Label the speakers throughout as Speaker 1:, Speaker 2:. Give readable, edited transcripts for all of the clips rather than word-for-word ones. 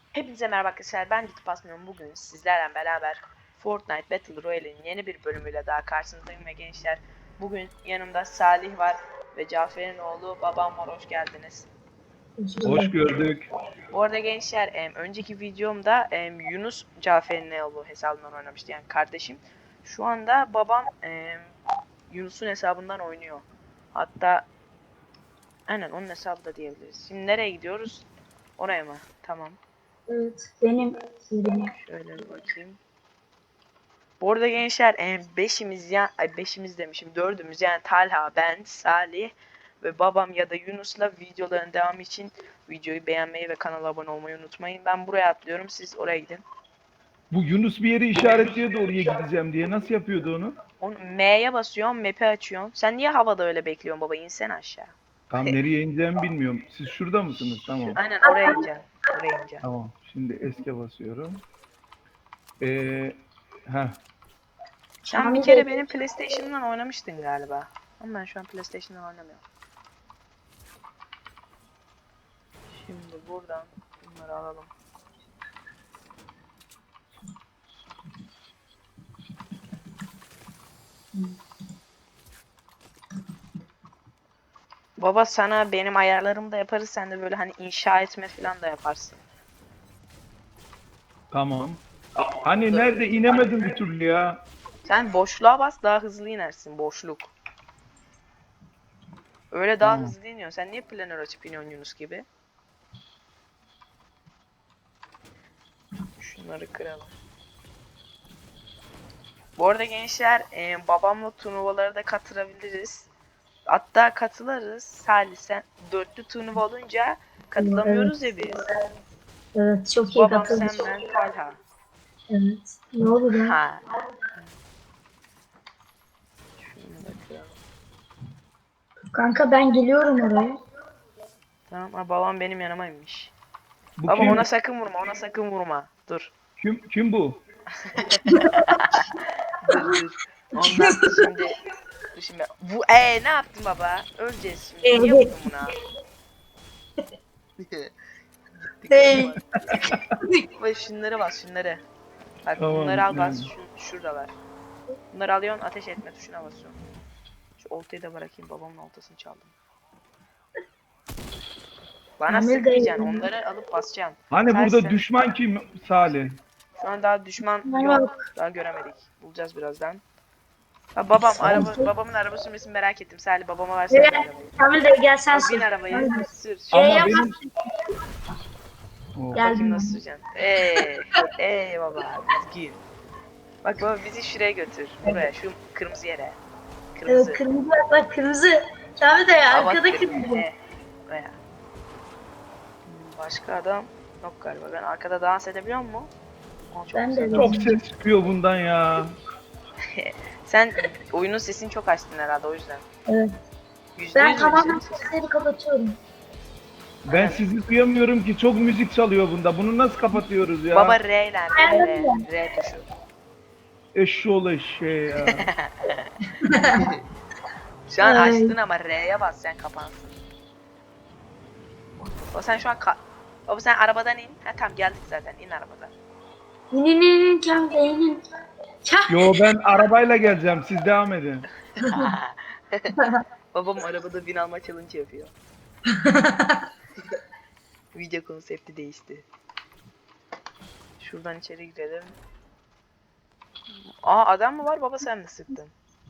Speaker 1: Hepinize merhaba arkadaşlar, ben Gitip Asmıyorum. Bugün sizlerle beraber Fortnite Battle Royale'in yeni bir bölümüyle daha karşınızdayım ve gençler, bugün yanımda Salih var ve Cafer'in oğlu babam var. Hoş geldiniz.
Speaker 2: Hoş gördük.
Speaker 1: Bu arada gençler, önceki videomda Yunus Cafer'in oğlu hesabından oynamıştı, yani kardeşim. Şu anda babam Yunus'un hesabından oynuyor. Hatta aynen onun hesabı da diyebiliriz. Şimdi nereye gidiyoruz? Oraya mı? Tamam.
Speaker 2: Evet, benim.
Speaker 1: Şöyle bir bakayım. Bu arada gençler, beşimiz ya beşimiz demişim, dördümüz, yani Talha, ben, Salih ve babam ya da Yunus'la videoların devamı için videoyu beğenmeyi ve kanala abone olmayı unutmayın. Ben buraya atlıyorum, siz oraya gidin.
Speaker 2: Bu Yunus bir yeri işaretliyordu oraya gideceğim diye. Nasıl yapıyordu onu?
Speaker 1: Onu M'ye basıyorsun, map'i açıyorsun. Sen niye havada öyle bekliyorsun baba? İnsene aşağı.
Speaker 2: Tam nereye ineceğimi bilmiyorum. Siz şurada mısınız? Tamam.
Speaker 1: Aynen oraya ineceksin. Oraya ineceksin.
Speaker 2: Tamam. Şimdi eske basıyorum. Ee, heh.
Speaker 1: Sen bir kere benim PlayStation'dan oynamıştın galiba. Ama ben şu an PlayStation'dan oynamıyorum. Şimdi buradan bunları alalım. Baba, sana benim ayarlarımı da yaparız. Sen de böyle hani inşa etme falan da yaparsın.
Speaker 2: Tamam. Hani nerede inemedim bir türlü ya.
Speaker 1: Sen boşluğa bas, daha hızlı inersin. Boşluk. Öyle daha
Speaker 2: Tamam.
Speaker 1: hızlı iniyor. Sen niye planör açıp iniyorsun Yunus gibi? Şunları kıralım. Bu arada gençler, babamla turnuvalara da katılabiliriz. Hatta katılırız. Salih, sen dörtlü turnuva olunca katılamıyoruz ya biz.
Speaker 2: Evet, çok iyi
Speaker 1: Babam, sen,
Speaker 2: katılmış.
Speaker 1: ben, Talha.
Speaker 2: Evet. Ne oldu ya?
Speaker 1: Ha. Şunu da kıralım.
Speaker 2: Kanka ben geliyorum oraya.
Speaker 1: Tamam, ha, babam benim yanıma inmiş.
Speaker 2: Bu
Speaker 1: Baba,
Speaker 2: kim?
Speaker 1: ona sakın vurma, ona sakın vurma. Dur.
Speaker 2: Kim bu?
Speaker 1: Dur. Ondan şimdi. Dur şimdi. Bu ne yaptın baba? Öleceğiz şimdi. Niye
Speaker 2: Evet.
Speaker 1: vurdun buna?
Speaker 2: Hey.
Speaker 1: Bak, şunları bas, şunları. Bak,
Speaker 2: Tamam.
Speaker 1: bunları al, bas.
Speaker 2: Yani.
Speaker 1: Şuradalar. Bunları alıyorsun, ateş etme tuşuna basıyorsun. Şu oltayı da bırakayım, babamın oltasını çaldım. Bana
Speaker 2: Amir
Speaker 1: sıkmayacaksın,
Speaker 2: dayı.
Speaker 1: onları alıp basacaksın.
Speaker 2: Hani
Speaker 1: Sadece
Speaker 2: burada
Speaker 1: sen.
Speaker 2: düşman kim Salih?
Speaker 1: Şu an daha düşman
Speaker 2: Yok.
Speaker 1: yok. Daha göremedik. Bulacağız birazdan. Ha, babam babamın araba sürmesini merak ettim. Salih, babama versene
Speaker 2: Evet.
Speaker 1: arabayı.
Speaker 2: Amir dayı gel sen
Speaker 1: Al, bin
Speaker 2: sür.
Speaker 1: arabayı. Sür.
Speaker 2: Ama
Speaker 1: Şöyle
Speaker 2: benim... Oh.
Speaker 1: bakayım nasıl süreceksin. Baba. Gir. Bak baba, bizi şuraya götür. Buraya, şu kırmızı yere. Kırmızı.
Speaker 2: Evet, kırmızı bak kırmızı. Kamil dayı
Speaker 1: Aa, bak,
Speaker 2: arkada
Speaker 1: kırmızı.
Speaker 2: kırmızı.
Speaker 1: Buraya. Başka adam yok galiba. Ben arkada dans edebiliyor muyum? Aa, çok
Speaker 2: Ben
Speaker 1: güzel
Speaker 2: de
Speaker 1: dans.
Speaker 2: çok ses çıkıyor bundan ya.
Speaker 1: Sen oyunun sesini çok açtın herhalde, o yüzden.
Speaker 2: Evet.
Speaker 1: %100
Speaker 2: Ben
Speaker 1: mü
Speaker 2: tamamen
Speaker 1: senin sesin?
Speaker 2: sesleri kapatıyorum. Ben
Speaker 1: Aynen.
Speaker 2: sizi duyamıyorum ki, çok müzik çalıyor bunda. Bunu nasıl kapatıyoruz ya?
Speaker 1: Baba, R ile
Speaker 2: Ayarladım.
Speaker 1: R tuşu.
Speaker 2: Eşşoğlu eşeği ya.
Speaker 1: Şu an
Speaker 2: Ay.
Speaker 1: açtın ama R'ye bas, sen kapansın. O sen şu an baba, sen arabadan in. Ha tamam, geldik zaten, in arabadan.
Speaker 2: İninin Kamil dayının. Yo, ben arabayla geleceğim, siz devam edin.
Speaker 1: Babam arabada bin alma challenge yapıyor. Video konsepti değişti. Şuradan içeri girelim. Aa, adam mı var baba, sen mi sıktın?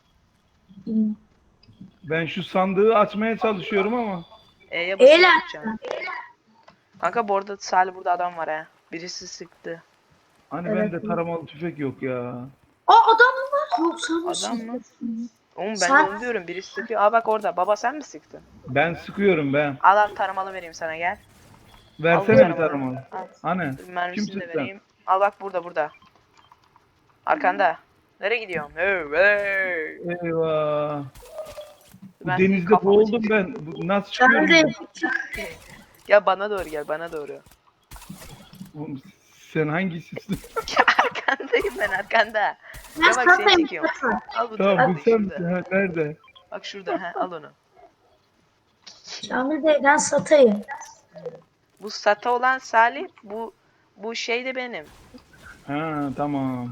Speaker 2: Ben şu sandığı açmaya çalışıyorum ama.
Speaker 1: E'ye basıp tutacaksın. Kanka, bu arada Salih, burada adam var ha. Birisi sıktı.
Speaker 2: Hani bende taramalı tüfek yok ya.
Speaker 3: Aa, adam mı var? Yok, sen
Speaker 1: Adam mı? Oğlum, ben de
Speaker 3: Sen-
Speaker 1: onu diyorum, birisi sıkıyor. Aa bak, orada. Baba, sen mi sıktın?
Speaker 2: Ben sıkıyorum ben.
Speaker 1: Al taramalı vereyim sana, gel.
Speaker 2: Versene bir taramalı.
Speaker 1: Al.
Speaker 2: Hani?
Speaker 1: Dur,
Speaker 2: Kim
Speaker 1: mermisini de
Speaker 2: sıktı?
Speaker 1: vereyim. Al bak, burada. Arkanda. Nereye gidiyorsun? Hey.
Speaker 2: Eyvah. Bu
Speaker 1: Ben senin
Speaker 2: denizde
Speaker 1: kafana
Speaker 2: boğuldum
Speaker 1: çekeyim.
Speaker 2: ben. Nasıl çıkıyorum?
Speaker 1: Ya bana doğru gel, bana doğru.
Speaker 2: Oğlum, sen hangisisin?
Speaker 1: Ya arkandayım ben, arkanda.
Speaker 3: Ben
Speaker 1: Ya bak, seni
Speaker 3: satayım.
Speaker 1: çekiyorum. Al bu
Speaker 2: Tamam,
Speaker 1: tarafta,
Speaker 2: bu sen
Speaker 1: şurada.
Speaker 2: misin? Ha, nerede?
Speaker 1: Bak şurada, al onu.
Speaker 3: Kamil Bey, ben satayım.
Speaker 1: Bu SATA olan Salih, bu Bu şey de benim.
Speaker 2: Ha tamam.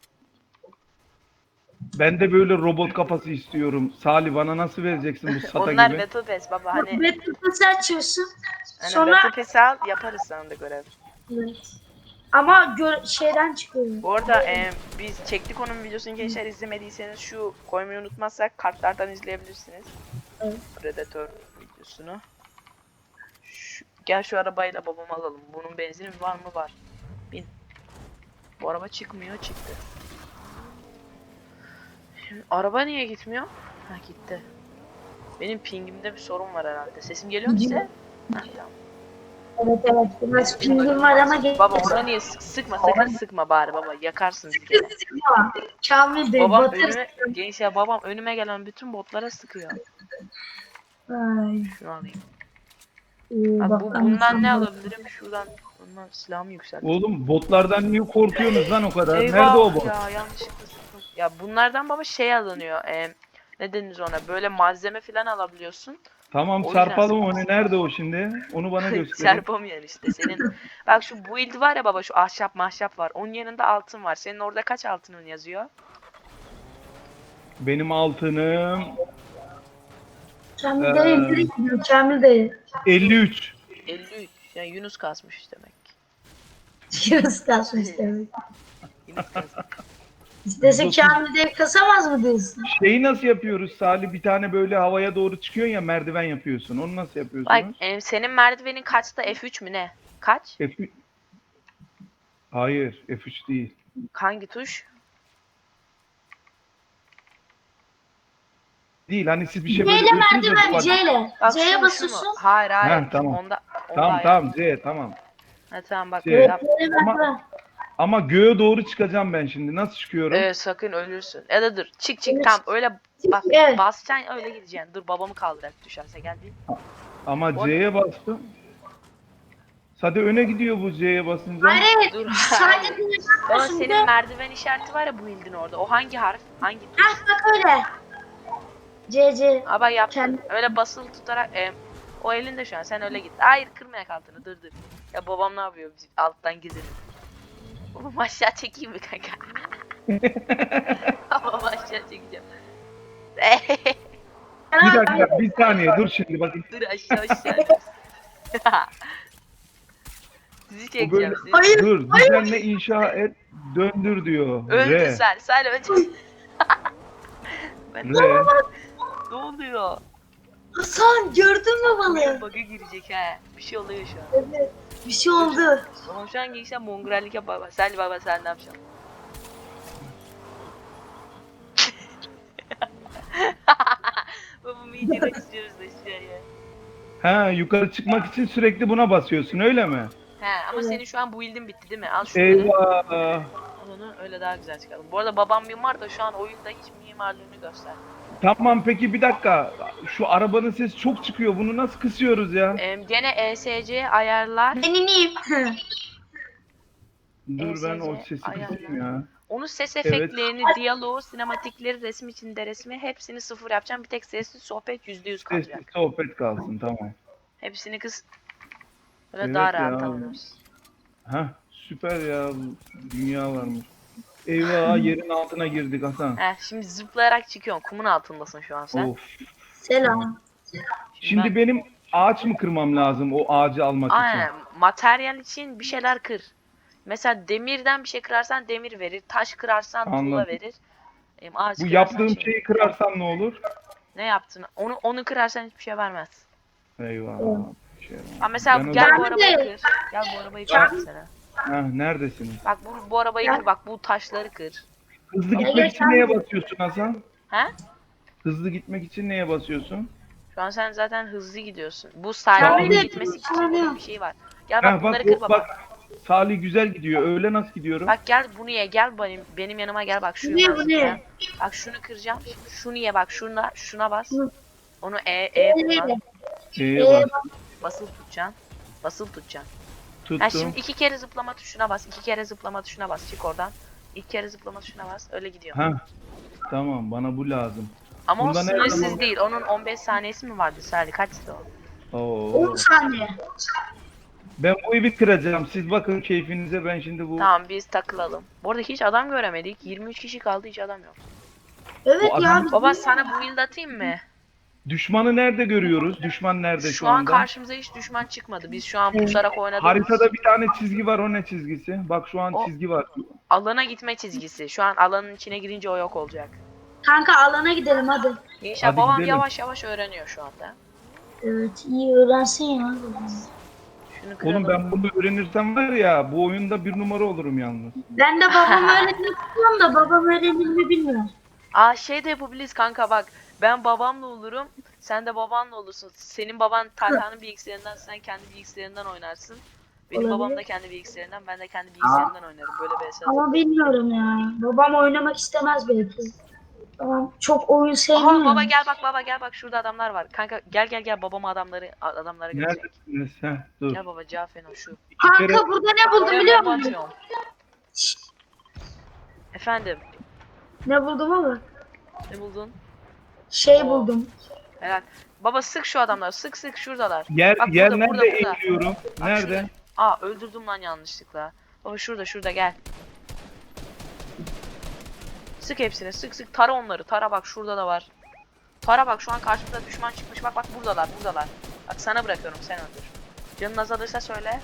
Speaker 2: Ben de böyle robot kafası istiyorum. Salih bana nasıl vereceksin bu SATA
Speaker 1: Onlar
Speaker 2: gibi?
Speaker 1: Battle Pass baba
Speaker 3: Bak
Speaker 1: hani.
Speaker 3: Battle Pass'ı açıyorsun.
Speaker 1: Hani
Speaker 3: Sonra
Speaker 1: Battle Pass'i al yaparız sana da görev.
Speaker 3: evet. Ama şeyden çıkıyor.
Speaker 1: Bu arada biz çektik onun videosunu gençler, izlemediyseniz şu koymayı unutmazsak kartlardan izleyebilirsiniz.
Speaker 3: Evet.
Speaker 1: Predator videosunu. Gel şu arabayla babamı alalım. Bunun benzini var mı? Var. Bin. Bu araba çıkmıyor, çıktı. Şimdi araba niye gitmiyor? Ha gitti. Benim pingimde bir sorun var herhalde. Sesim geliyor mu size? Ha, tamam.
Speaker 3: Evet evet. Biraz pingim var ama
Speaker 1: Baba ona niye sıkma, sakın sıkma bari baba, yakarsın bir kere.
Speaker 3: Kamil Bey
Speaker 1: Babam
Speaker 3: batır.
Speaker 1: önüme, gençler babam önüme gelen bütün botlara sıkıyor.
Speaker 3: Ay,
Speaker 1: Şunu alayım.
Speaker 3: iyi,
Speaker 1: Bak,
Speaker 3: bak,
Speaker 1: bundan ne
Speaker 3: anladım.
Speaker 1: alabilirim? Şuradan bundan silahımı yükselttim.
Speaker 2: Oğlum botlardan niye korkuyorsunuz lan o kadar?
Speaker 1: Eyvah
Speaker 2: Nerede o bot?
Speaker 1: ya, yanlışlıkla sıktım. Ya bunlardan baba şey alınıyor. Ne denir ona? Böyle malzeme falan alabiliyorsun.
Speaker 2: Tamam
Speaker 1: O yüzden
Speaker 2: çarpalım onu. Nerede o şimdi? Onu bana gösterin.
Speaker 1: çarpamıyorsun işte senin. Bak şu build var ya baba, şu ahşap mahşap var. Onun yanında altın var. Senin orada kaç altının yazıyor?
Speaker 2: Benim altınım
Speaker 3: Kamil Bey nereye gidiyor? Kamil Bey.
Speaker 2: 53.
Speaker 1: 53. Yani Yunus kasmış demek.
Speaker 3: Yunus kasmış demek.
Speaker 1: Yunus kasmış.
Speaker 3: İstese Kamil Bey kasamaz mı diyorsun?
Speaker 2: Şeyi nasıl yapıyoruz Salih? Bir tane böyle havaya doğru çıkıyorsun ya, merdiven yapıyorsun. Onu nasıl
Speaker 1: Bak
Speaker 2: yapıyorsunuz?
Speaker 1: senin merdivenin kaçta? F3 mü ne? Kaç?
Speaker 2: F3. Hayır, F3 değil.
Speaker 1: Hangi tuş?
Speaker 2: Değil. Hani siz bir şey
Speaker 3: C
Speaker 2: böyle
Speaker 3: ile
Speaker 2: diyorsunuz ya.
Speaker 3: merdiven
Speaker 2: bak-
Speaker 3: C ile.
Speaker 1: Bak
Speaker 3: C'ye
Speaker 1: şu mu?
Speaker 3: basıyorsun.
Speaker 1: Hayır hayır.
Speaker 2: Heh, tamam.
Speaker 1: Onda
Speaker 2: Tamam
Speaker 1: ayar.
Speaker 2: tamam C tamam.
Speaker 1: Ha, tamam bak.
Speaker 2: C.
Speaker 1: Yap.
Speaker 3: C'ye merdiven.
Speaker 2: Ama göğe doğru çıkacağım ben şimdi. Nasıl çıkıyorum?
Speaker 1: Sakın ölürsün. Ya da dur. Çık
Speaker 3: Evet.
Speaker 1: tam öyle bak,
Speaker 3: Evet.
Speaker 1: basacaksın öyle gideceksin. Dur babamı kaldırak düşerse gel bir.
Speaker 2: Ama
Speaker 1: O-
Speaker 2: C'ye bastım. Sade öne gidiyor bu C'ye basınca.
Speaker 3: Hayır
Speaker 1: Dur.
Speaker 3: sadece
Speaker 1: hayır.
Speaker 3: bir
Speaker 1: Baba
Speaker 3: yapıyorsun. Bir de
Speaker 1: senin merdiven işareti var ya bu ildin orada. O hangi harf? Hangi tuş?
Speaker 3: heh, bak öyle. C.
Speaker 1: Aba yaptın.
Speaker 3: Kendi-
Speaker 1: Öyle basılı tutarak o elinde şu an. Sen öyle git. Hayır kırmayak altını. Dur dur. Ya babam ne yapıyor? Biz alttan gidelim. Babam aşağı çekeyim mi kanka? Babam aşağı çekeceğim.
Speaker 2: Bir dakika bir saniye dur şimdi bakın.
Speaker 1: Dur aşağı. Sizi
Speaker 2: Bu
Speaker 1: çekeceğim.
Speaker 2: böyle
Speaker 1: Sizi.
Speaker 3: Hayır,
Speaker 2: dur düzenle inşa et döndür diyor.
Speaker 1: Öldü
Speaker 2: R.
Speaker 1: sen öldü. Ben
Speaker 2: R.
Speaker 1: ne oluyor?
Speaker 3: Hasan gördün mü balığı?
Speaker 1: Bug'a girecek ha. Bir şey oluyor şu an.
Speaker 3: Evet. Bir şey oldu.
Speaker 1: Babam şu an gelirse mongrellik yap baba. Baba sen ne yapacaksın? Babamı iyice kaçırıyoruz aşağıya.
Speaker 2: Ha yukarı çıkmak için sürekli buna basıyorsun öyle mi?
Speaker 1: He ama senin şu an bu ildin bitti değil mi? Al şunları.
Speaker 2: Eyvah.
Speaker 1: Al onu öyle daha güzel çıkalım. Bu arada babam mimar da şu an oyunda hiç mimarlığını göster.
Speaker 2: Tamam peki bir dakika. Şu arabanın sesi çok çıkıyor. Bunu nasıl kısıyoruz ya?
Speaker 1: Gene ESC ayarlar.
Speaker 3: Ben ineyim.
Speaker 2: Dur ben o
Speaker 1: ESC
Speaker 2: sesi
Speaker 1: ayarlar.
Speaker 2: kısayım ya.
Speaker 1: Onun ses
Speaker 2: Evet.
Speaker 1: efektlerini, diyaloğu, sinematikleri, resim içinde resmi hepsini sıfır yapacağım. Bir tek sessiz sohbet %100
Speaker 2: Sessiz
Speaker 1: kalacak.
Speaker 2: sohbet kalsın tamam.
Speaker 1: Hepsini kız. Böyle
Speaker 2: Evet
Speaker 1: daha rahat
Speaker 2: ya.
Speaker 1: anlarız.
Speaker 2: Hah süper ya. Dünya varmış. Eyvah yerin altına girdik Hasan.
Speaker 1: Şimdi zıplayarak çıkıyorsun. Kumun altındasın şu an sen.
Speaker 2: Of.
Speaker 3: Selam.
Speaker 2: Şimdi benim ağaç mı kırmam lazım o ağacı almak
Speaker 1: Aynen.
Speaker 2: için?
Speaker 1: Materyal için bir şeyler kır. Mesela demirden bir şey kırarsan demir verir. Taş kırarsan tuğla
Speaker 2: Anladım.
Speaker 1: verir. Ağaç
Speaker 2: Bu
Speaker 1: kırarsan
Speaker 2: yaptığım
Speaker 1: şey.
Speaker 2: şeyi kırarsam ne olur?
Speaker 1: Ne yaptın? Onu kırarsan hiçbir şey vermez.
Speaker 2: Eyvah. Şey,
Speaker 1: Ama mesela
Speaker 2: ben o
Speaker 1: gel
Speaker 2: zaman-
Speaker 1: bu arabayı kır. Gel bu arabayı kır mesela.
Speaker 2: Hah, neredesiniz?
Speaker 1: Bak bu arabayı kır. Bak bu taşları kır.
Speaker 2: Hızlı
Speaker 3: Ya
Speaker 2: gitmek için
Speaker 3: geçen-
Speaker 2: neye basıyorsun Hasan?
Speaker 1: He?
Speaker 2: Hızlı gitmek için neye basıyorsun?
Speaker 1: Şu an sen zaten hızlı gidiyorsun. Bu
Speaker 3: Tamam,
Speaker 1: sahilde
Speaker 3: bir de-
Speaker 1: gitmesi için
Speaker 3: tamam.
Speaker 1: bunun bir şey var. Gel bak
Speaker 2: Hah,
Speaker 1: bunları
Speaker 2: bak,
Speaker 1: kır baba.
Speaker 2: bak Salih güzel gidiyor. Öyle nasıl gidiyorum?
Speaker 1: Bak gel bunu ye, gel benim yanıma gel bak şu
Speaker 3: Bu ne,
Speaker 1: yukarı
Speaker 3: bu ne?
Speaker 1: zıpla. Bak şunu kıracağım. Şimdi şunu ye bak şuna bas.
Speaker 3: Hı.
Speaker 1: Onu kullan.
Speaker 2: Bas.
Speaker 1: Basılı tutacaksın. Basılı tutacaksın.
Speaker 2: Tuttum.
Speaker 1: Ha şimdi 2 kere zıplama tuşuna bas. 2 kere zıplama tuşuna bas. Çık oradan. 2 kere zıplama tuşuna bas. Öyle gidiyor.
Speaker 2: Hah. Tamam bana bu lazım.
Speaker 1: Ama o
Speaker 2: Bunda ne
Speaker 1: sınırsız
Speaker 2: yapalım?
Speaker 1: değil. Onun 15 saniyesi mi vardı Salih? Kaçtı o?
Speaker 2: Oo.
Speaker 3: 10 saniye.
Speaker 4: Ben bu evi kıracağım. Siz bakın keyfinize, ben şimdi bu...
Speaker 1: Tamam biz takılalım. Bu arada hiç adam göremedik. 23 kişi kaldı, hiç adam yok.
Speaker 3: Evet
Speaker 4: Bu
Speaker 3: ya.
Speaker 4: adam-
Speaker 3: biz-
Speaker 1: Baba sana build atayım mı?
Speaker 4: Düşmanı nerede görüyoruz? Düşman nerede şu
Speaker 1: Şu an
Speaker 4: anda?
Speaker 1: karşımıza hiç düşman çıkmadı. Biz şu an pusarak oynadığımız
Speaker 4: Haritada bir tane çizgi var. O ne çizgisi? Bak şu an
Speaker 1: O-
Speaker 4: çizgi var.
Speaker 1: alana gitme çizgisi. Şu an alanın içine girince o yok olacak.
Speaker 3: Kanka alana gidelim hadi.
Speaker 1: Gençler
Speaker 4: Hadi
Speaker 1: babam
Speaker 4: gidelim.
Speaker 1: yavaş yavaş öğreniyor şu anda.
Speaker 3: Evet iyi öğrensin ya.
Speaker 1: Şunu kıralım.
Speaker 4: Oğlum ben bunu öğrenirsem var ya, bu oyunda bir numara olurum yalnız.
Speaker 3: Ben de babam öğretmek istiyorum da babam öğrenir mi bilmiyorum.
Speaker 1: Aa şey de yapabiliriz kanka bak. Ben babamla olurum. Sen de babanla olursun. Senin baban Talha'nın bilgisayarından, sen kendi bilgisayarından oynarsın. Benim
Speaker 3: Olabilir.
Speaker 1: babam da kendi bilgisayarından, ben de kendi bilgisayarından oynarım. Böyle bir esas.
Speaker 3: Ama bilmiyorum ya. Babam oynamak istemez belki. Babam çok oyun sevmiyor.
Speaker 1: Aha baba gel bak, baba gel bak, şurada adamlar var. Kanka gel babama adamlara götürecek.
Speaker 4: Neredesiniz? Heh, dur.
Speaker 1: Gel baba Cafeno şu.
Speaker 3: Kanka burada ne buldum
Speaker 1: Oraya
Speaker 3: biliyor
Speaker 1: bomba
Speaker 3: musun?
Speaker 1: atıyorum. Efendim
Speaker 3: Ne buldum ama?
Speaker 1: ne buldun?
Speaker 3: Şey
Speaker 1: Oo.
Speaker 3: buldum.
Speaker 1: Helal. Baba sık şu adamları, sık şuradalar.
Speaker 4: Yer,
Speaker 1: Bak
Speaker 4: yer
Speaker 1: burada,
Speaker 4: nerede
Speaker 1: burada.
Speaker 4: eğiliyorum?
Speaker 1: Bak
Speaker 4: Nerede?
Speaker 1: şurada. Aa öldürdüm lan yanlışlıkla. Baba şurada gel. Sık hepsini, sık tara onları. Tara bak şurada da var. Tara bak şu an karşımıza düşman çıkmış. Bak buradalar. Bak sana bırakıyorum, sen öldür. Canın azalırsa söyle.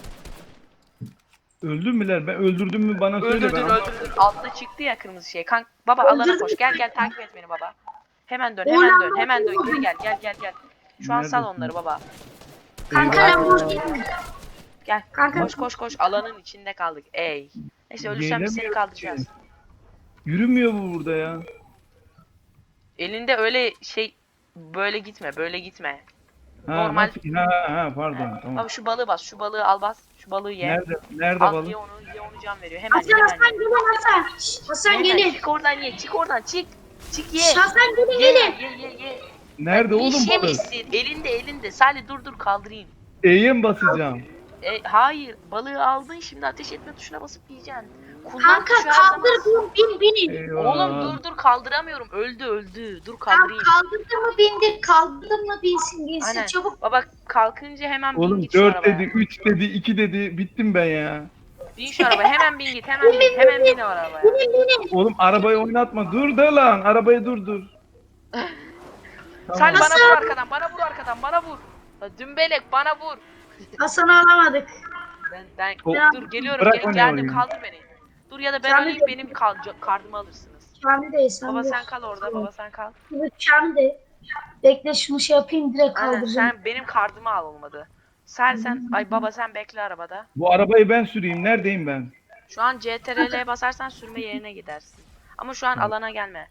Speaker 4: Öldün müler? Ben öldürdüm mü bana söyle.
Speaker 1: Öldürdün. Altta çıktı ya kırmızı şey. Baba alana koş. Gel takip et beni baba. Hemen dön. Gel. Şu an sal
Speaker 4: Neredesin?
Speaker 1: onları baba.
Speaker 3: Kanka
Speaker 4: Eyvah.
Speaker 3: ben buradayım.
Speaker 1: Gel.
Speaker 3: Kanka.
Speaker 1: Koş. Alanın içinde kaldık. Ey. Neyse ölürsen biz seni
Speaker 4: Gelemiyorum
Speaker 1: kaldıracağız.
Speaker 4: ki. Yürümüyor bu burada ya.
Speaker 1: Elinde öyle şey böyle gitme.
Speaker 4: Ha,
Speaker 1: Normal.
Speaker 4: nasıl? Ha, pardon. Tamam.
Speaker 1: Baba şu balığı bas. Şu balığı al bas. Şu balığı ye.
Speaker 4: Nerede
Speaker 1: Al
Speaker 4: balık?
Speaker 1: ye onu can veriyor. Hemen
Speaker 3: Hasan
Speaker 1: ye.
Speaker 3: Hasan gelin Hasan. Şş, Hasan
Speaker 1: Hemen
Speaker 3: gelin.
Speaker 1: çık oradan ye. Çık oradan çık. Çık ye.
Speaker 3: Şş, Hasan gelin
Speaker 1: Ye
Speaker 3: gelin.
Speaker 1: ye.
Speaker 4: Nerede oğlum balık?
Speaker 1: Yemişsin. Elinde. Salih dur kaldırayım.
Speaker 4: E'ye mi basacağım?
Speaker 1: Hayır. Balığı aldın, şimdi ateş etme tuşuna basıp yiyeceksin. Kullan
Speaker 3: Kanka
Speaker 1: tuşu her zaman.
Speaker 3: kaldır bin.
Speaker 4: Eyvah.
Speaker 1: Oğlum dur kaldıramıyorum. Öldü. Dur
Speaker 3: Kanka
Speaker 1: kaldırayım.
Speaker 3: kaldırdın mı bindir. Kaldırdın mı binsin
Speaker 1: Aynen.
Speaker 3: çabuk.
Speaker 1: Baba kalkınca hemen bin
Speaker 4: Oğlum
Speaker 1: git şu
Speaker 4: 4
Speaker 1: arabaya.
Speaker 4: dedi, 3 dedi, 2 dedi. Bittim ben ya.
Speaker 1: Bin şu arabaya. Hemen bin git. Hemen bin o arabaya.
Speaker 3: Binin.
Speaker 4: Oğlum arabayı oynatma. Dur da lan. Arabayı durdur.
Speaker 1: Salih
Speaker 4: Tamam.
Speaker 1: bana vur arkadan. Bana vur. La dümbelek bana vur.
Speaker 3: Hasan'ı alamadık.
Speaker 1: Ben
Speaker 4: O-
Speaker 1: dur geliyorum.
Speaker 4: Bırak onu
Speaker 1: Geldim
Speaker 4: oraya.
Speaker 1: kaldır beni. Dur ya da ben
Speaker 3: Sen
Speaker 1: öleyim,
Speaker 3: de-
Speaker 1: benim kardımı alırsınız.
Speaker 3: Kamil değil sen
Speaker 1: Baba
Speaker 3: de.
Speaker 1: sen kal orada. Baba sen kal.
Speaker 3: Kamil değil. Bekle şunu şey yapayım direkt
Speaker 1: Aynen
Speaker 3: kaldıracağım.
Speaker 1: sen benim kardımı al olmadı. Baba sen bekle arabada.
Speaker 4: Bu arabayı ben süreyim. Neredeyim ben?
Speaker 1: Şu an CTRL'ye basarsan sürme yerine gidersin. Ama şu an alana gelme.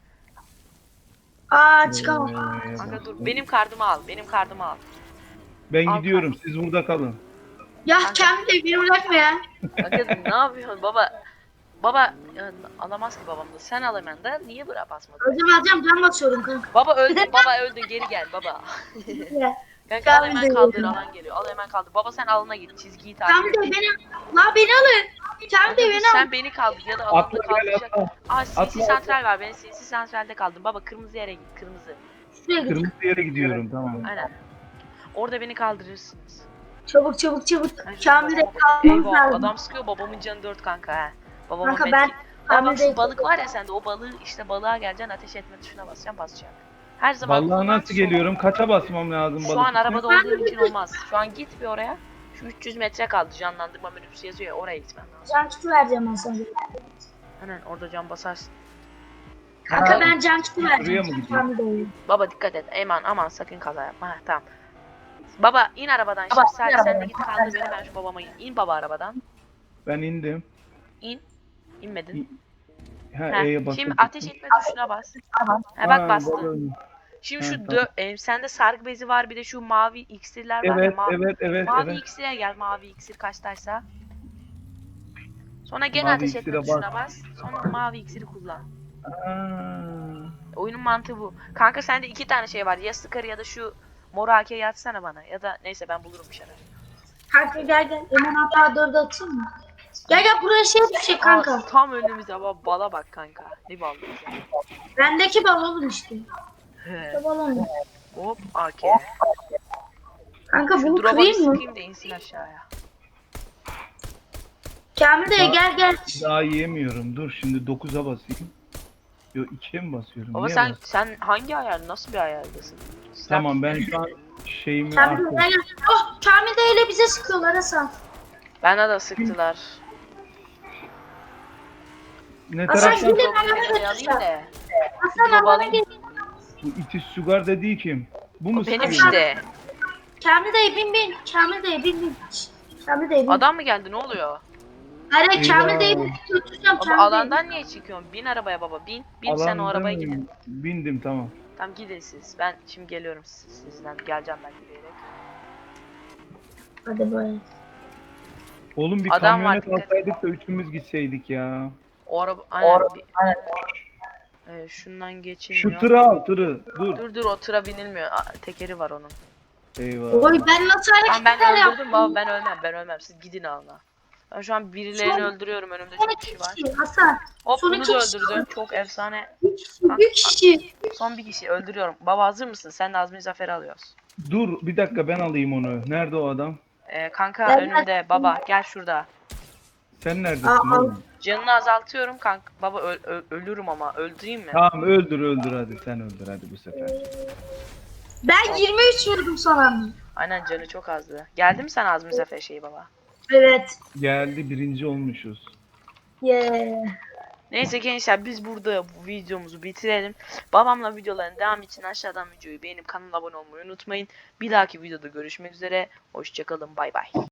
Speaker 3: Aa çıkamam.
Speaker 1: Kanka dur benim kardımı al.
Speaker 4: Ben
Speaker 1: Al
Speaker 4: gidiyorum. Siz burada kalın.
Speaker 3: Ya Kamil değil beni bırakma ya.
Speaker 1: Kanka ne yapıyorsun baba? Baba alamaz ki babam da. Sen al hemen de. Niye bırak basmadın?
Speaker 3: Alacağım can basıyorum kanka.
Speaker 1: Baba öldün geri gel baba.
Speaker 3: Ya.
Speaker 1: Kanka al hemen
Speaker 3: Kamil de
Speaker 1: kaldır,
Speaker 3: öldü.
Speaker 1: alan geliyor. Al hemen kaldır. Baba sen alana git. Çizgiyi takip
Speaker 3: Kamil
Speaker 1: et.
Speaker 3: değil beni alın. Kamil değil beni alın.
Speaker 1: Sen beni kaldır ya da alanda
Speaker 4: Atla gel
Speaker 1: kaldıracak.
Speaker 4: atla.
Speaker 1: Aa sinsi
Speaker 4: Atla.
Speaker 1: santral var. Ben sinsi santralde kaldım. Baba kırmızı yere git. Kırmızı.
Speaker 3: Şuraya git.
Speaker 4: Kırmızı yere gidiyorum. Tamam.
Speaker 1: Aynen. Orada beni kaldırırsınız.
Speaker 3: Çabuk.
Speaker 1: Ben şu
Speaker 3: Kamil de
Speaker 1: babama
Speaker 3: kalmamız
Speaker 1: Eyvah,
Speaker 3: lazım.
Speaker 1: adam sıkıyor, babamın canı 4 kanka he. Babamın
Speaker 3: Kanka
Speaker 1: medkit-
Speaker 3: ben
Speaker 1: Baba
Speaker 3: Kamil
Speaker 1: şu
Speaker 3: değil.
Speaker 1: balık var ya sende, o balığı işte balığa geleceksin, ateş etme tuşuna basacaksın. Her zaman
Speaker 4: Vallahi
Speaker 1: kullan,
Speaker 4: nasıl geliyorum? Kaça basmam lazım balık?
Speaker 1: Şu an
Speaker 4: için?
Speaker 1: arabada olduğun için olmaz. Şu an git bir oraya. Şu 300 metre kaldı, canlandırma menüsü yazıyor ya, oraya gitmen lazım.
Speaker 3: Can kiti vereceğim ben sana.
Speaker 1: Aynen orada can basarsın.
Speaker 3: Kanka
Speaker 4: Ha,
Speaker 3: ben can kiti
Speaker 4: Buraya
Speaker 3: vereceğim.
Speaker 4: mı gidiyor?
Speaker 3: Kamil değil.
Speaker 1: Baba dikkat et, aman sakın kaza yapma. Heh, tamam. Baba in arabadan şimdi, sadece sen de git kaldır beni, ben şu babama in baba arabadan.
Speaker 4: Ben indim.
Speaker 1: İnmedin.
Speaker 4: Ha,
Speaker 1: Heh,
Speaker 4: E'ye bastım.
Speaker 1: şimdi ateş etme tuşuna bas. Ha bak bastın.
Speaker 4: balon.
Speaker 1: Şimdi
Speaker 4: Ha,
Speaker 1: şu
Speaker 4: tamam.
Speaker 1: sende sargı bezi var, bir de şu mavi iksirler var ya,
Speaker 4: Evet.
Speaker 1: mavi iksire gel, mavi iksir kaçtaysa. Sonra gene
Speaker 4: Mavi
Speaker 1: ateş etme
Speaker 4: iksire
Speaker 1: tuşuna bas. Sonra mavi iksiri kullan.
Speaker 4: Aa,
Speaker 1: Oyunun mantığı bu. Kanka sende 2 tane şey var. Ya sıkarı ya da şu mor AK'yi atsana bana. Ya da neyse ben bulurum bir şeyler.
Speaker 3: Kanka gel. Hemen hatta 4'e atayım mı? Gel buraya şey düşecek kanka.
Speaker 1: Aa, tam önümüzde bala bak kanka. Ne balı ya.
Speaker 3: Bendeki bal oğlum işte.
Speaker 1: He.
Speaker 3: İşte balon.
Speaker 1: Hop AK.
Speaker 3: Kanka
Speaker 1: Şu
Speaker 3: bunu
Speaker 1: drop'a bir
Speaker 3: kırayım mı?
Speaker 1: sıkayım da insin aşağıya.
Speaker 3: Kamil dayı gel gel.
Speaker 4: Daha yiyemiyorum. Dur şimdi 9'a basayım. Yo 2'ye mi basıyorum?
Speaker 1: Baba
Speaker 4: Niye
Speaker 1: sen
Speaker 4: basıyorum?
Speaker 1: hangi ayar, nasıl bir ayardasın?
Speaker 4: Tamam ben şu an şeyimi
Speaker 3: Kamil dayı
Speaker 4: artık.
Speaker 3: gel. Oh Kamil dayı ile bize sıkıyorlar Hasan.
Speaker 1: Bana da sıktılar.
Speaker 4: Ne
Speaker 3: Hasan
Speaker 4: taraftan?
Speaker 3: şöyle
Speaker 1: Yok,
Speaker 3: bana
Speaker 1: seni alayım
Speaker 3: götürsen.
Speaker 1: da.
Speaker 3: Hasan
Speaker 1: Baba
Speaker 3: bana
Speaker 1: alayım.
Speaker 3: gel.
Speaker 4: Bu itiş sugar dediği kim? Bu mu
Speaker 1: O benim
Speaker 4: sıkıyor?
Speaker 1: işte.
Speaker 3: Kamil dayı bin. Kamil dayı bin. Kamil dayı bin.
Speaker 1: Adam mı geldi, ne oluyor?
Speaker 3: Hayır Kamil
Speaker 4: Eyvah.
Speaker 3: dayı götüreceğim.
Speaker 1: Baba
Speaker 3: Kamil dayı.
Speaker 1: alandan niye çıkıyorsun? Bin arabaya baba, bin. Bin sen o arabaya gidin.
Speaker 4: Bindim tamam.
Speaker 1: Tamam gidin siz. Ben şimdi geliyorum sizden. Geleceğim ben yürüyerek.
Speaker 3: Hadi bay.
Speaker 4: Oğlum bir
Speaker 1: Adam var,
Speaker 4: kamyonet
Speaker 1: dikkat.
Speaker 4: alsaydık da üçümüz gitseydik ya.
Speaker 1: O araba aynen. Şundan
Speaker 4: Şu
Speaker 1: geçilmiyor.
Speaker 4: tırı al tırı. Dur.
Speaker 1: Dur o tıra binilmiyor. Tekeri var onun.
Speaker 4: Eyvah.
Speaker 3: Oy ben nasıl
Speaker 1: Tamam ben
Speaker 3: hareketler
Speaker 1: öldürdüm baba,
Speaker 3: yaptım?
Speaker 1: ben ölmem. Siz gidin alına. Ben şu an birilerini
Speaker 3: Son-
Speaker 1: öldürüyorum, önümde
Speaker 3: Son
Speaker 1: çok
Speaker 3: iki
Speaker 1: kişi var.
Speaker 3: kişi Hasan.
Speaker 1: Hop
Speaker 3: son
Speaker 1: bunu
Speaker 3: iki
Speaker 1: da
Speaker 3: kişi
Speaker 1: öldürdüm. Çok efsane.
Speaker 3: Bir kişi.
Speaker 1: Son bir kişi öldürüyorum. Baba hazır mısın? Sen de Azmi Zafer'i alıyoruz.
Speaker 4: Dur bir dakika ben alayım onu. Nerede o adam?
Speaker 1: Kanka
Speaker 3: Ben-
Speaker 1: önümde baba, gel şurada.
Speaker 4: Sen neredesin
Speaker 3: Aa,
Speaker 4: oğlum?
Speaker 1: Canını azaltıyorum kanka. Baba ölürüm ama öldüreyim mi?
Speaker 4: Tamam öldür hadi sen öldür hadi bu sefer.
Speaker 3: Ben 23 vurdum sana.
Speaker 1: Aynen canı çok azdı. Geldi mi sen Azmi Zafer şeyi baba?
Speaker 3: Evet.
Speaker 4: Geldi birinci olmuşuz.
Speaker 3: Yeah.
Speaker 1: Neyse gençler biz burada bu videomuzu bitirelim. Babamla videoların devamı için aşağıdan videoyu beğenip kanala abone olmayı unutmayın. Bir dahaki videoda görüşmek üzere. Hoşçakalın, bay bay.